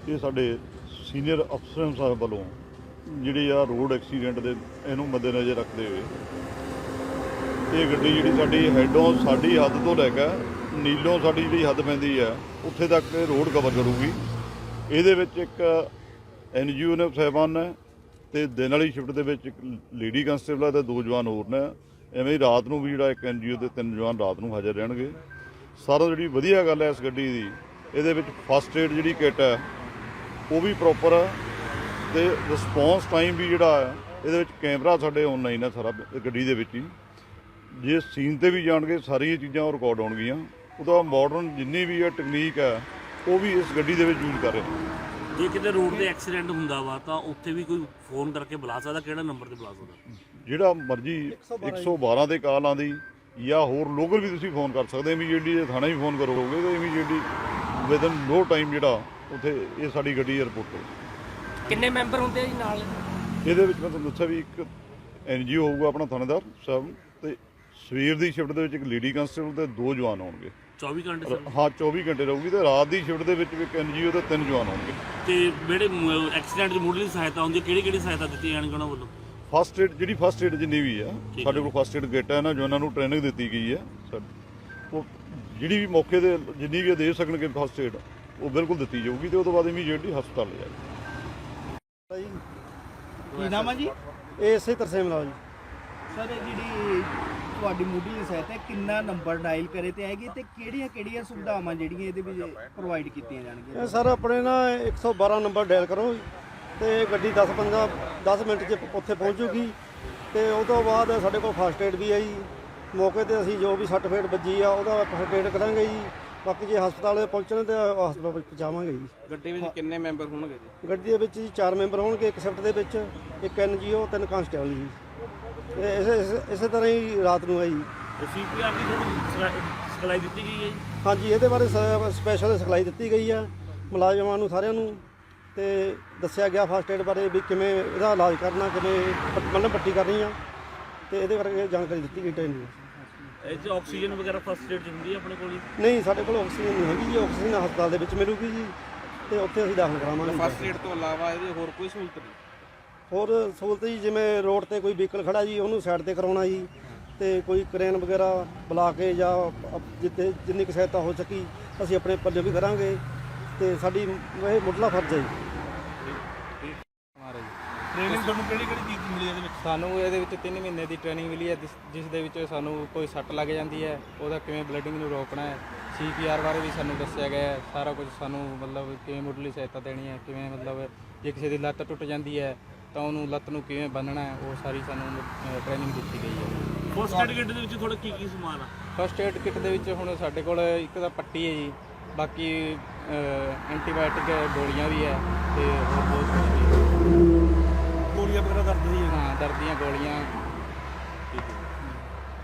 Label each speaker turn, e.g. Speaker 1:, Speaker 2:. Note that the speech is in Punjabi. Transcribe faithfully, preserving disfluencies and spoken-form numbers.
Speaker 1: ਇਹ ਸਾਡੇ ਸੀਨੀਅਰ ਅਫਸਰਾਂ ਸਾਹਿਬ ਵੱਲੋਂ ਜਿਹੜੀ ਆ ਰੋਡ ਐਕਸੀਡੈਂਟ ਦੇ ਇਹਨੂੰ ਮੱਦੇਨਜ਼ਰ ਰੱਖਦੇ ਹੋਏ ਇਹ ਗੱਡੀ ਜਿਹੜੀ ਸਾਡੀ ਹੈਡੋਂ ਸਾਡੀ ਹੱਦ ਤੋਂ ਲੈ ਕੇ ਨੀਲੋਂ ਸਾਡੀ ਜਿਹੜੀ ਹੱਦ ਪੈਂਦੀ ਆ ਉੱਥੇ ਤੱਕ ਇਹ ਰੋਡ ਕਵਰ ਕਰੂਗੀ। ਇਹਦੇ ਵਿੱਚ ਇੱਕ ਐਨ ਜੀ ਓ ਨੇ ਸਾਹਿਬਾਨ ਨੇ ਅਤੇ ਦਿਨ ਵਾਲੀ ਸ਼ਿਫਟ ਦੇ ਵਿੱਚ ਇੱਕ ਲੇਡੀ ਕੰਸਟੇਬਲ ਅਤੇ ਦੋ ਜਵਾਨ ਹੋਰ ਨੇ। ਐਵੇਂ ਹੀ ਰਾਤ ਨੂੰ ਵੀ ਜਿਹੜਾ ਇੱਕ ਐਨ ਜੀ ਓ ਦੇ ਤਿੰਨ ਜਵਾਨ ਰਾਤ ਨੂੰ ਹਾਜ਼ਰ ਰਹਿਣਗੇ। ਸਾਰਾ ਜਿਹੜੀ ਵਧੀਆ ਗੱਲ ਹੈ ਇਸ ਗੱਡੀ ਦੀ, ਇਹਦੇ ਵਿੱਚ ਫਸਟ ਏਡ ਜਿਹੜੀ ਕਿੱਟ ਹੈ ਉਹ ਵੀ ਪ੍ਰੋਪਰ ਹੈ ਅਤੇ ਰਿਸਪੌਂਸ ਟਾਈਮ ਵੀ ਜਿਹੜਾ ਹੈ ਇਹਦੇ ਵਿੱਚ ਕੈਮਰਾ ਸਾਡੇ ਔਨਲਾਈਨ ਹੈ ਸਾਰਾ ਗੱਡੀ ਦੇ ਵਿੱਚ ਹੀ। ਜੇ ਸੀਨ 'ਤੇ ਵੀ ਜਾਣਗੇ ਸਾਰੀਆਂ ਚੀਜ਼ਾਂ ਉਹ ਰਿਕਾਰਡ ਹੋਣਗੀਆਂ। ਉਹਦਾ ਮਾਡਰਨ ਜਿੰਨੀ ਵੀ ਹੈ ਟੈਕਨੀਕ ਹੈ ਉਹ ਵੀ ਇਸ ਗੱਡੀ ਦੇ ਵਿੱਚ ਯੂਜ਼ ਕਰ ਰਹੇ ਨੇ।
Speaker 2: ਜੇ ਕਿਤੇ ਰੋਡ ਤੇ ਐਕਸੀਡੈਂਟ ਹੁੰਦਾ ਵਾ ਤਾਂ ਉੱਥੇ ਵੀ ਕੋਈ ਫੋਨ ਕਰਕੇ ਬੁਲਾ ਸਕਦਾ? ਕਿਹੜਾ ਨੰਬਰ ਤੇ ਬੁਲਾ ਸਕਦਾ?
Speaker 1: ਜਿਹੜਾ ਮਰਜ਼ੀ ਇੱਕ ਸੌ ਬਾਰਾਂ 'ਤੇ ਕਾਲ ਆਉਂਦੀ ਜਾਂ ਹੋਰ ਲੋਕਲ ਵੀ ਤੁਸੀਂ ਫੋਨ ਕਰ ਸਕਦੇ। ਇਮੀਡੀਏਟਲੀ ਜੇ ਥਾਣੇ ਵੀ ਫੋਨ ਕਰੋਗੇ ਤਾਂ ਇਮੀਡੀਏਟਲੀ ਵਿਦਨ ਨੋ ਟਾਈਮ ਜਿਹੜਾ ਉੱਥੇ ਇਹ ਸਾਡੀ ਗੱਡੀ ਏਅਰਪੋਰਟ 'ਤੇ।
Speaker 3: ਕਿੰਨੇ ਮੈਂਬਰ ਹੁੰਦੇ ਆ ਜੀ ਨਾਲ?
Speaker 1: ਇਹਦੇ ਵਿੱਚ ਮੈਂ ਤੁਹਾਨੂੰ ਦੱਸਿਆ ਵੀ ਇੱਕ ਐਨ ਜੀ ਓ ਹੋਊਗਾ ਆਪਣਾ ਥਾਣੇਦਾਰ ਸਾਹਿਬ, ਅਤੇ ਸਵੇਰ ਦੀ ਸ਼ਿਫਟ ਦੇ ਵਿੱਚ ਇੱਕ ਲੇਡੀ ਕੰਸਟੇਬਲ ਅਤੇ ਦੋ ਜਵਾਨ ਆਉਣਗੇ।
Speaker 2: ਚੌਵੀ ਘੰਟੇ
Speaker 1: ਹਾਂ ਚੌਵੀ ਘੰਟੇ ਰਹੂਗੀ, ਅਤੇ ਰਾਤ ਦੀ ਸ਼ਿਫਟ ਦੇ ਵਿੱਚ ਵੀ ਇੱਕ ਐਨ ਜੀ ਓ ਅਤੇ ਤਿੰਨ ਜਵਾਨ ਆਉਣਗੇ।
Speaker 2: ਤੇ ਜਿਹੜੇ ਐਕਸੀਡੈਂਟ ਦੀ ਮੁੱਢਲੀ ਸਹਾਇਤਾ ਹੁੰਦੀ ਹੈ ਕਿਹੜੀ ਕਿਹੜੀ ਸਹਾਇਤਾ ਦਿੱਤੀ ਜਾਣਗੀ ਉਹਨਾਂ ਵੱਲੋਂ?
Speaker 1: ਫਸਟ ਏਡ ਜਿਹੜੀ ਫਸਟ ਏਡ ਜਿੰਨੀ ਵੀ ਆ ਸਾਡੇ ਕੋਲ ਫਸਟ ਏਡ ਕਿੱਟ ਹੈ ਨਾ ਜੋ ਉਹਨਾਂ ਨੂੰ ਟ੍ਰੇਨਿੰਗ ਦਿੱਤੀ ਗਈ ਹੈ। ਉਹ ਜਿਹੜੀ ਵੀ ਮੌਕੇ 'ਤੇ ਜਿੰਨੀ ਵੀ ਦੇ ਸਕਣਗੇ ਫਸਟ ਏਡ ਉਹ ਬਿਲਕੁਲ ਦਿੱਤੀ ਜਾਊਗੀ, ਅਤੇ ਉਹ ਤੋਂ ਬਾਅਦ ਇਮੀਡੀਏਟਲੀ ਹਸਪਤਾਲ ਲੈ ਜਾਏਗੀ।
Speaker 4: ਕੀ ਨਾਮ ਹੈ ਜੀ?
Speaker 5: ਇਹ ਇਸੇ ਤਰਸੇਮ ਨਾਲ ਜੀ।
Speaker 4: ਸਰ ਇਹ ਜਿਹੜੀ ਤੁਹਾਡੀ ਮੁੱਢਲੀ ਸਹਾਇਤਾ ਕਿੰਨਾ ਨੰਬਰ ਡਾਇਲ ਕਰੇ ਤੇ ਆਏਗੀ ਤੇ ਕਿਹੜੀਆਂ ਕਿਹੜੀਆਂ ਸੁਵਿਧਾਵਾਂ ਜਿਹੜੀਆਂ ਇਹਦੇ ਵਿੱਚ ਪ੍ਰੋਵਾਈਡ ਕੀਤੀਆਂ ਜਾਣਗੀਆਂ?
Speaker 5: ਇਹ ਸਰ ਆਪਣੇ ਨਾ ਇੱਕ ਸੌ ਬਾਰਾਂ ਨੰਬਰ ਡਾਇਲ ਕਰੋ ਤੇ ਗੱਡੀ ਦਸ ਪੰਦਰਾਂ ਦਸ ਮਿੰਟ 'ਚ ਉੱਥੇ ਪਹੁੰਚੂਗੀ। ਤੇ ਉਹ ਤੋਂ ਬਾਅਦ ਸਾਡੇ ਕੋਲ ਫਸਟ ਏਡ ਵੀ ਹੈ ਜੀ। ਮੌਕੇ 'ਤੇ ਅਸੀਂ ਜੋ ਵੀ ਸੱਟ ਫੇਟ ਵੱਜੀ ਆ ਉਹਦਾ ਫਸਟ ਏਡ ਕਰਾਂਗੇ ਜੀ। ਬਾਕੀ ਜੇ ਹਸਪਤਾਲ ਪਹੁੰਚਣ ਤੇ ਹਸਪਤਾਲ ਪਹੁੰਚਾਵਾਂਗੇ ਜੀ।
Speaker 3: ਗੱਡੀ ਵਿੱਚ ਕਿੰਨੇ ਮੈਂਬਰ ਹੋਣਗੇ ਜੀ?
Speaker 5: ਗੱਡੀ ਦੇ ਵਿੱਚ ਜੀ ਚਾਰ ਮੈਂਬਰ ਹੋਣਗੇ, ਇੱਕ ਸ਼ਿਫਟ ਦੇ ਵਿੱਚ ਇੱਕ ਐਨ ਜੀ ਓ ਤਿੰਨ ਕਾਂਸਟੇਬਲ ਜੀ। ਇਹ ਇਸੇ ਇਸੇ- ਇਸੇ ਤਰ੍ਹਾਂ ਹੀ ਰਾਤ ਨੂੰ ਹੈ ਜੀ।
Speaker 2: ਸੀ ਪੀ ਆਰ ਦੀ ਤੁਹਾਨੂੰ ਸਿਖਲਾਈ ਦਿੱਤੀ ਗਈ ਹੈ ਜੀ?
Speaker 5: ਹਾਂਜੀ, ਇਹਦੇ ਬਾਰੇ ਸਪੈਸ਼ਲ ਸਿਖਲਾਈ ਦਿੱਤੀ ਗਈ ਆ ਮੁਲਾਜ਼ਮਾਂ ਨੂੰ ਸਾਰਿਆਂ ਨੂੰ, ਤੇ ਦੱਸਿਆ ਗਿਆ ਫਸਟ ਏਡ ਬਾਰੇ ਵੀ ਕਿਵੇਂ ਇਹਦਾ ਇਲਾਜ ਕਰਨਾ, ਕਿਵੇਂ ਮਤਲਬ ਪੱਟੀ ਕਰਨੀ ਆ, ਤੇ ਇਹਦੇ ਬਾਰੇ ਜਾਣਕਾਰੀ ਦਿੱਤੀ ਗਈ ਟ੍ਰੇਨਿੰਗ।
Speaker 2: ਇਹ 'ਚ ਆਕਸੀਜਨ ਵਗੈਰਾ ਫਸਟ ਏਡ ਹੁੰਦੀ ਹੈ ਆਪਣੇ ਕੋਲ ਜੀ?
Speaker 5: ਨਹੀਂ, ਸਾਡੇ ਕੋਲ ਆਕਸੀਜਨ ਨਹੀਂ ਹੈਗੀ ਜੀ। ਆਕਸੀਜਨ ਹਸਪਤਾਲ ਦੇ ਵਿੱਚ ਮਿਲੂਗੀ ਜੀ, ਤੇ ਉੱਥੇ ਅਸੀਂ ਦਾਖਲ ਕਰਾਵਾਂਗੇ।
Speaker 3: ਫਸਟ ਏਡ ਤੋਂ ਇਲਾਵਾ ਇਹਦੇ ਹੋਰ ਕੋਈ ਸਹੂਲਤ ਨਹੀਂ?
Speaker 5: ਹੋਰ ਸਹੂਲਤ ਜੀ, ਜਿਵੇਂ ਰੋਡ ਤੇ ਕੋਈ ਵਹੀਕਲ ਖੜਾ ਜੀ ਉਹਨੂੰ ਸਾਈਡ ਤੇ ਕਰਾਉਣਾ ਜੀ, ਤੇ ਕੋਈ ਕਰੇਨ ਵਗੈਰਾ ਬੁਲਾ ਕੇ ਜਾਂ ਜਿੱਥੇ ਜਿੰਨੀ ਕੁ ਸਹਾਇਤਾ ਹੋ ਸਕੀ ਅਸੀਂ ਆਪਣੇ ਪੱਲੇ ਵੀ ਕਰਾਂਗੇ, ਤੇ ਸਾਡੀ ਇਹ ਮੁੱਢਲਾ ਫਰਜ਼ ਹੈ ਜੀ।
Speaker 4: ਟ੍ਰੇਨਿੰਗ ਤੁਹਾਨੂੰ ਕਿਹੜੀ ਕਿਹੜੀ ਚੀਜ਼ ਦੀ ਮਿਲੀ ਇਹਦੇ ਵਿੱਚ?
Speaker 6: ਸਾਨੂੰ ਇਹਦੇ ਵਿੱਚ ਤਿੰਨ ਮਹੀਨੇ ਦੀ ਟ੍ਰੇਨਿੰਗ ਮਿਲੀ ਹੈ, ਜਿਸ ਜਿਸ ਦੇ ਵਿੱਚ ਸਾਨੂੰ ਕੋਈ ਸੱਟ ਲੱਗ ਜਾਂਦੀ ਹੈ ਉਹਦਾ ਕਿਵੇਂ ਬਲੀਡਿੰਗ ਨੂੰ ਰੋਕਣਾ ਹੈ। ਸੀ ਪੀ ਆਰ ਬਾਰੇ ਵੀ ਸਾਨੂੰ ਦੱਸਿਆ ਗਿਆ ਹੈ। ਸਾਰਾ ਕੁਝ ਸਾਨੂੰ ਮਤਲਬ ਕਿਵੇਂ ਮੁੱਢਲੀ ਸਹਾਇਤਾ ਦੇਣੀ ਹੈ, ਕਿਵੇਂ ਮਤਲਬ ਜੇ ਕਿਸੇ ਦੀ ਲੱਤ ਟੁੱਟ ਜਾਂਦੀ ਹੈ ਤਾਂ ਉਹਨੂੰ ਲੱਤ ਨੂੰ ਕਿਵੇਂ ਬੰਨ੍ਹਣਾ ਹੈ, ਉਹ ਸਾਰੀ ਸਾਨੂੰ ਟ੍ਰੇਨਿੰਗ ਦਿੱਤੀ ਗਈ ਹੈ।
Speaker 2: ਫਸਟ ਏਡ ਕਿੱਟ ਦੇ ਵਿੱਚ ਤੁਹਾਡਾ ਕੀ ਕੀ ਸਮਾਨ ਆ?
Speaker 6: ਫਸਟ ਏਡ ਕਿੱਟ ਦੇ ਵਿੱਚ ਹੁਣ ਸਾਡੇ ਕੋਲ ਇੱਕ ਤਾਂ ਪੱਟੀ ਹੈ ਜੀ, ਬਾਕੀ ਐਂਟੀਬਾਇਓਟਿਕ ਗੋਲੀਆਂ ਵੀ ਹੈ, ਤੇ ਹੋਰ ਬਹੁਤ ਕੁਝ ਵੀ ਹੈ।
Speaker 4: ਗੋਲੀਆਂ ਵਗੈਰਾ ਦਰਦ ਦੀ?
Speaker 6: ਹਾਂ, ਦਰਦ ਦੀਆਂ ਗੋਲੀਆਂ,